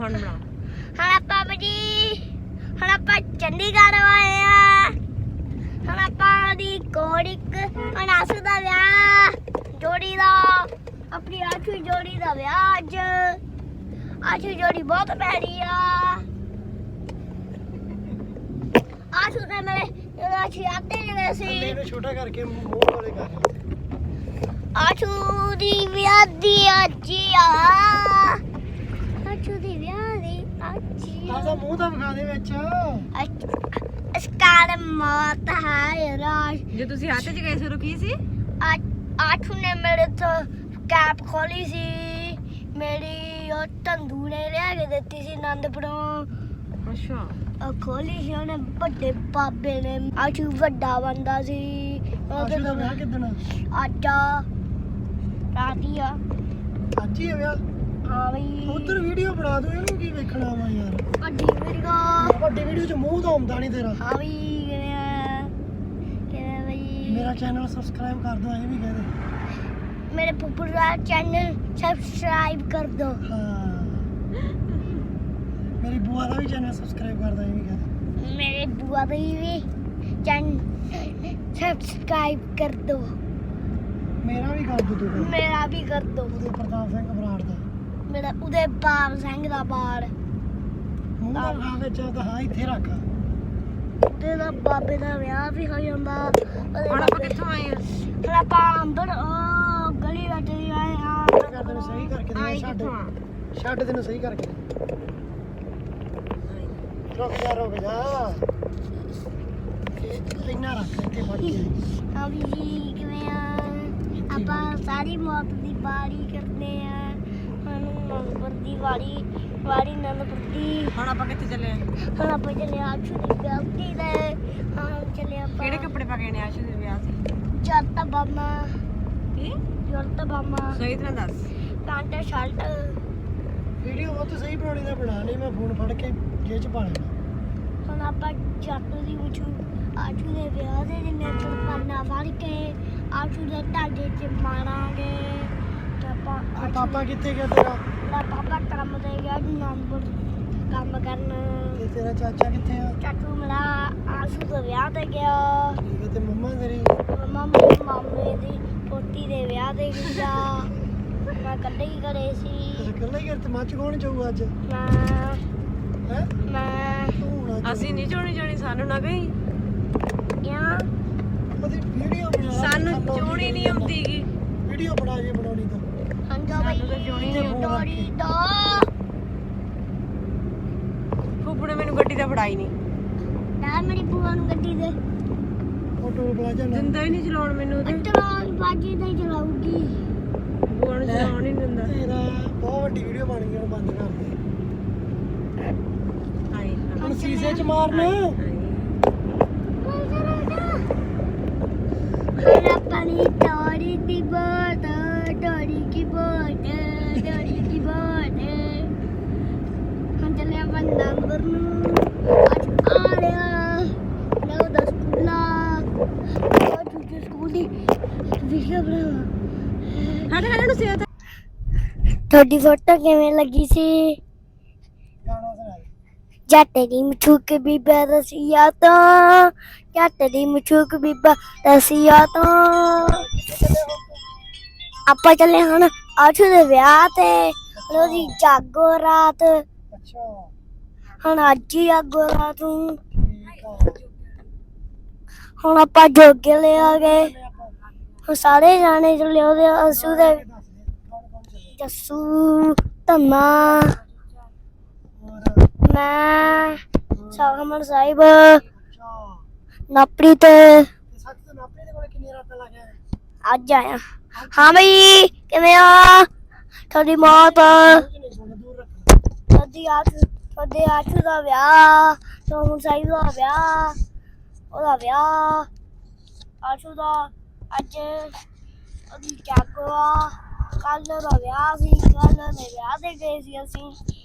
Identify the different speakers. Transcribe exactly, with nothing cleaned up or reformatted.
Speaker 1: ਹੁਣ ਬਣਾ
Speaker 2: ਹਾਂ ਪਾਪਾ ਜੀ ਹੁਣ ਆਪਾਂ ਚੰਡੀਗੜ੍ਹ ਆਏ ਆ ਹੁਣ ਆਪਾਂ ਦੀ ਕੋੜਿਕ ਹੁਣ ਆਸੂ ਦਾ ਵਿਆਹ ਜੋੜੀ ਦਾ ਆਪਣੀ ਆਸ਼ੂ ਜੋੜੀ ਦਾ ਵਿਆਹ ਅੱਜ ਆਸ਼ੂ ਜੋੜੀ ਬਹੁਤ ਪਿਆਰੀ ਆ ਆਸ਼ੂ ਨੇ ਮੇਰੇ ਜਦੋਂ ਅਸੀਂ ਆਤੇ ਗਏ ਸੀ
Speaker 3: ਇਹਨੂੰ ਛੋਟਾ ਕਰਕੇ ਮੂੰਹ ਵਾਲੇ ਕਰ
Speaker 2: ਆਸ਼ੂ ਦੀ ਵਿਆਹ ਦੀ ਅੱਜ ਆ ਆਸ਼ੂ ਦੀ ਵਿਆਹ ਦੀ ਅੱਜ
Speaker 3: ਆਹ ਮੂੰਹ ਤਾਂ ਵਿਖਾ ਦੇ ਵਿੱਚ
Speaker 2: ਸਕਾਰ ਮੌਤ ਹੈ ਰਾਜ
Speaker 1: ਜੇ ਤੁਸੀਂ ਹੱਥ 'ਚ ਗਏ ਸੀ ਕੀ ਸੀ
Speaker 2: ਆਠੂ ਨੇ ਮੇਰੇ ਤੋਂ ਕੈਪ ਖੋਲੀ ਸੀ ਮੇਰੀ ਉਹ ਤੰਦੂ ਨੇ ਲਿਆ ਕੇ ਦਿੱਤੀ ਸੀ ਆਨੰਦਪੁਰੋਂ
Speaker 1: ਅੱਛਾ
Speaker 2: ਉਹ ਖੋਲੀ ਸੀ ਉਹਨੇ ਵੱਡੇ ਬਾਬੇ ਨੇ ਆਸ਼ੂ ਵੱਡਾ ਬੰਦਾ ਸੀ
Speaker 3: ਆਸ਼ੂ ਦਾ ਵਿਆਹ ਕਿੱਦਣ
Speaker 2: ਅੱਜ ਰਾਤੀ ਆ
Speaker 3: ਅੱਜ ਹੀ ਆ ਵਿਆਹ
Speaker 2: ਹਾਂ ਬਈ
Speaker 3: ਉਧਰ ਵੀਡੀਓ ਬਣਾ ਦੋ ਇਹਨੂੰ ਕੀ ਵੇਖਣਾ ਵਾ ਯਾਰ
Speaker 2: ਵੱਡੀ ਵੀਡੀਓ
Speaker 3: ਵੱਡੀ ਵੀਡੀਓ ਚ ਮੂੰਹ ਤਾਂ ਆਉਂਦਾ ਨਹੀਂ ਤੇਰਾ
Speaker 2: ਹਾਂ ਬਈ ਕਿਵੇਂ ਆ ਕਿਵੇਂ ਬਈ
Speaker 3: ਮੇਰਾ ਚੈਨਲ ਸਬਸਕ੍ਰਾਈਬ ਕਰ ਦੋ ਇਹ ਵੀ ਕਹਿ ਦੇ
Speaker 2: मेरे पुप्पू का चैनल सब्सक्राइब कर दो
Speaker 3: हाँ मेरी बुआ का भी चैनल सब्सक्राइब कर दो ये भी कह दे
Speaker 2: मेरे बुआ का भी चैनल सब्सक्राइब कर दो
Speaker 3: मेरा भी कर दो तू कर।
Speaker 2: मेरा भी कर दो
Speaker 3: उदय प्रताप सिंह बराड़ दा
Speaker 2: मेरा उदय बाब सिंह दा बाड़
Speaker 3: ਮੂੰਹ ਦਾ ਵਿਆਹ ਵਿੱਚ ਤਾਂ ਹਾਂ ਇੱਥੇ ਰੱਖ
Speaker 2: ਉਦੇ ਦਾ ਬਾਬੇ ਦਾ ਵਿਆਹ ਵੀ ਹੋ ਜਾਂਦਾ
Speaker 1: ਹੁਣ ਆਪਾਂ ਕਿੱਥੋਂ ਆਏ ਆ
Speaker 2: ਫਿਰ ਆਪਾਂ ਅੰਦਰ ਉਹ ਗਲੀ ਵਿੱਚ ਦੀ ਆਏ ਆ
Speaker 3: ਕਰ ਤੈਨੂੰ ਸਹੀ ਕਰਕੇ ਦੇ
Speaker 1: ਆਏ
Speaker 3: ਛੱਡ
Speaker 1: ਕਿੱਥੋਂ ਆ
Speaker 3: ਛੱਡ ਤੈਨੂੰ ਸਹੀ ਕਰਕੇ ਦੇ। ਰੁਕ ਜਾ ਰੁਕ ਜਾ ਇਹ ਇੰਨਾ ਰੱਖ ਇੱਥੇ ਫੜ ਕੇ
Speaker 2: ਹਾਂ ਵੀ ਜੀ ਕਿਵੇਂ ਆ ਆਪਾਂ ਸਾਰੀ ਮੌਤ ਦੀ ਬਾਰੀ ਕਰਦੇ ਆ ਹੁਣ ਨੰਬਰ ਦੀ ਵਾਰੀ ਵਾਰੀ ਨੰਬਰ ਦੀ
Speaker 1: ਹੁਣ ਆਪਾਂ ਕਿੱਥੇ ਚੱਲੇ ਆ
Speaker 2: ਹੁਣ ਆਪਾਂ ਚੱਲੇ ਆਸ਼ੂ ਦੀ ਗਲਤੀ ਦੇ ਹਾਂ ਚੱਲੇ ਆਪਾਂ
Speaker 1: ਕਿਹੜੇ ਕੱਪੜੇ ਪਾ ਕੇ ਨੇ ਆਸ਼ੂ ਦੇ ਵਿਆਹ ਤੇ
Speaker 2: ਜੱਟ ਬਾਮਾ
Speaker 1: ਕੀ
Speaker 2: ਜੱਟ ਬਾਮਾ
Speaker 1: ਸਹੀ ਤਰ੍ਹਾਂ ਦੱਸ
Speaker 2: ਪੈਂਟ ਸ਼ਰਟ
Speaker 3: ਵੀਡੀਓ ਬਹੁਤ ਸਹੀ ਬਣਾਉਣੀ ਦਾ ਬਣਾ ਲਈ ਮੈਂ ਫੋਨ ਫੜ ਕੇ ਜੇਬ ਚ ਪਾ ਲੈਣਾ
Speaker 2: ਹੁਣ ਆਪਾਂ ਜੱਟ ਦੀ ਮੁੱਛੂ ਆਸ਼ੂ ਦੇ ਵਿਆਹ ਦੇ ਦਿਨ ਚੁਰਪਾਨਾ ਫੜ ਕੇ ਆਸ਼ੂ ਦੇ ਢਾਡੇ 'ਚ ਮਾਰਾਂਗੇ ਤੇ ਆਪਾਂ
Speaker 3: ਆ
Speaker 2: ਆਸ਼ੂ
Speaker 3: ਪਾਪਾ ਕਿੱਥੇ ਗਿਆ ਤੇਰਾ
Speaker 2: ਦਾ ਪਾਪਾ ਕੰਮ ਤੇ ਗਿਆ ਨੰਬਰ ਕੰਮ ਕਰਨ
Speaker 3: ਤੇ ਤੇਰਾ ਚਾਚਾ ਕਿੱਥੇ ਆ
Speaker 2: ਚਾਚੂ ਮੇਰਾ ਆਸ਼ੂ ਦੇ ਵਿਆਹ ਤੇ ਗਿਆ
Speaker 3: ਠੀਕ ਹੈ ਤੇ ਮੰਮਾ ਤੇਰੀ
Speaker 2: ਮੰਮਾ ਮੇਰੇ ਮਾਮੇ ਦੀ ਪੋਤੀ ਦੇ ਵਿਆਹ ਤੇ ਗਿਆ ਮੈਂ ਇਕੱਲੇ ਹੀ ਘਰੇ ਸੀ
Speaker 3: ਤੇ ਇਕੱਲਾ ਹੀ ਘਰ ਤੇ ਮੱਚ ਕੌਣ ਜਾਊ ਅੱਜ
Speaker 2: ਮੈਂ
Speaker 3: ਹੈ
Speaker 2: ਮੈਂ
Speaker 3: ਤੂੰ ਨਾ
Speaker 1: ਅਸੀਂ ਨਹੀਂ ਚੋਣੀ ਚੋਣੀ ਸਾਨੂੰ ਨਾ ਗਈ
Speaker 2: ਕਿਆ
Speaker 3: ਉਹਦੀ ਵੀਡੀਓ ਬਣਾ
Speaker 1: ਸਾਨੂੰ ਚੋਣੀ ਨਹੀਂ ਆਉਂਦੀਗੀ
Speaker 3: ਵੀਡੀਓ ਬਣਾ ਜੇ ਬਣਾਉਣੀ ਤਾਂ
Speaker 2: ਹੰਗਾ ਬਈ
Speaker 1: ਸਾਨੂੰ ਤਾਂ ਜੋਣੀ
Speaker 3: ਨਹੀਂ ਆਉਂਦੀ।
Speaker 2: ਡੋਰੀ ਦੋ
Speaker 1: ਫੁੱਫੜ ਨੇ ਮੈਨੂੰ ਗੱਡੀ ਤਾਂ ਫੜਾਈ ਨਹੀਂ
Speaker 2: ਨਾ ਮੇਰੀ ਭੂਆ ਨੂੰ ਗੱਡੀ ਦੇ
Speaker 3: ਉਹ ਟੋਲ ਪਲਾਜ਼ਾ ਨਾ
Speaker 1: ਦਿੰਦਾ ਹੀ ਨਹੀਂ ਚਲਾਉਣ ਮੈਨੂੰ ਤੇ
Speaker 2: ਚਲਾਉਣ ਬਾਜੀ ਨਹੀਂ ਚਲਾਉਗੀ
Speaker 1: ਬੂਆ ਨੂੰ ਚਲਾਉਣ ਹੀ ਨਹੀਂ ਦਿੰਦਾ
Speaker 3: ਤੇਰਾ ਬਹੁਤ ਵੱਡੀ ਵੀਡੀਓ ਬਣ ਗਈ ਹੁਣ ਬੰਦ ਕਰ ਦੇ
Speaker 1: ਆਏ
Speaker 3: ਹੁਣ ਸੀਸੇ ਚ ਮਾਰਨਾ
Speaker 2: ਹਰਾ ਪਾਣੀ ਡੋਰੀ ਦੀ ਬੋਟ ਡੋਰੀ ਕੀ ਬੋਟ ਡੋਰੀ ਕੀ ਬੋਟ ਹੁਣ ਚੱਲੇ ਆਪਾਂ ਨੰਬਰ ਨੂੰ ਅੱਜ ਆ ਰਿਹਾ ਨੌ ਦਸ ਸਕੂਲਾ ਉਹ ਛੁੱਟੀ ਸਕੂਲ ਦੀ ਵੀਡੀਓ ਬਣਾ
Speaker 1: ਸਾਡੇ ਘਰ ਨੂੰ ਸਿਆ
Speaker 2: ਤੁਹਾਡੀ ਫੋਟੋ ਕਿਵੇਂ ਲੱਗੀ ਸੀ
Speaker 3: ਗਾਣਾ ਸੁਣਾ
Speaker 2: ਜੱਟ ਦੀ ਮਛੂਕ ਬੀਬਾ ਰਸੀਆ ਤੋਂ ਜੱਟ ਦੀ ਮਛੂਕ ਬੀਬਾ ਰਸੀਆ ਤੋਂ ਆਪਾਂ ਚੱਲੇ ਹੁਣ ਆਸ਼ੂ ਦੇ ਵਿਆਹ ਤੇ ਉਹਦੀ ਜਾਗੋ ਰਾਤ
Speaker 3: ਅੱਛਾ
Speaker 2: ਹੁਣ ਅੱਜ ਹੀ ਜਾਗੋ ਰਾਤ ਨੂੰ
Speaker 3: ਠੀਕ ਆ
Speaker 2: ਹੁਣ ਆਪਾਂ ਜੋਗੇ ਲੈ ਆ ਗਏ ਹੁਣ ਸਾਰੇ ਜਾਣੇ ਚੱਲੇ ਉਹਦੇ ਆਸ਼ੂ ਦੇ
Speaker 3: ਦੱਸ ਦੇ ਕੌਣ ਕੌਣ ਚੱਲੇ
Speaker 2: ਜੱਸੂ ਧੰਮਾ
Speaker 3: ਹੋਰ
Speaker 2: ਮੈਂ ਸਾਗਮਨ ਸਾਹਿਬ
Speaker 3: ਅੱਛਾ
Speaker 2: ਨਪਰੀ ਤੇ
Speaker 3: ਤੇ ਸੱਚ ਤੇ ਨਾਪੇ ਦੇ ਕੋਲ ਕਿੰਨੀ ਰਾਤਾਂ ਲੱਗਿਆ
Speaker 2: ਅੱਜ ਆਇਆ ਹਾਂ ਬਈ ਕਿਵੇਂ ਆ ਤੁਹਾਡੀ ਮੌਤ
Speaker 3: ਨਹੀਂ ਸੁਣ ਦੂਰ ਰੱਖ
Speaker 2: ਤੁਹਾਡੀ ਆਠ ਤੁਹਾਡੇ ਆਸ਼ੂ ਦਾ ਵਿਆਹ ਸੋਮਨ ਸਾਹਿਬ ਦਾ ਵਿਆਹ ਉਹਦਾ ਵਿਆਹ ਆਸ਼ੂ ਦਾ ਅੱਜ ਉਹਦੀ ਜਾਗੋ ਆ ਕੱਲ ਦਾ ਵਿਆਹ ਸੀ ਕੱਲ ਦੇ ਵਿਆਹ ਤੇ ਗਏ ਸੀ ਅਸੀਂ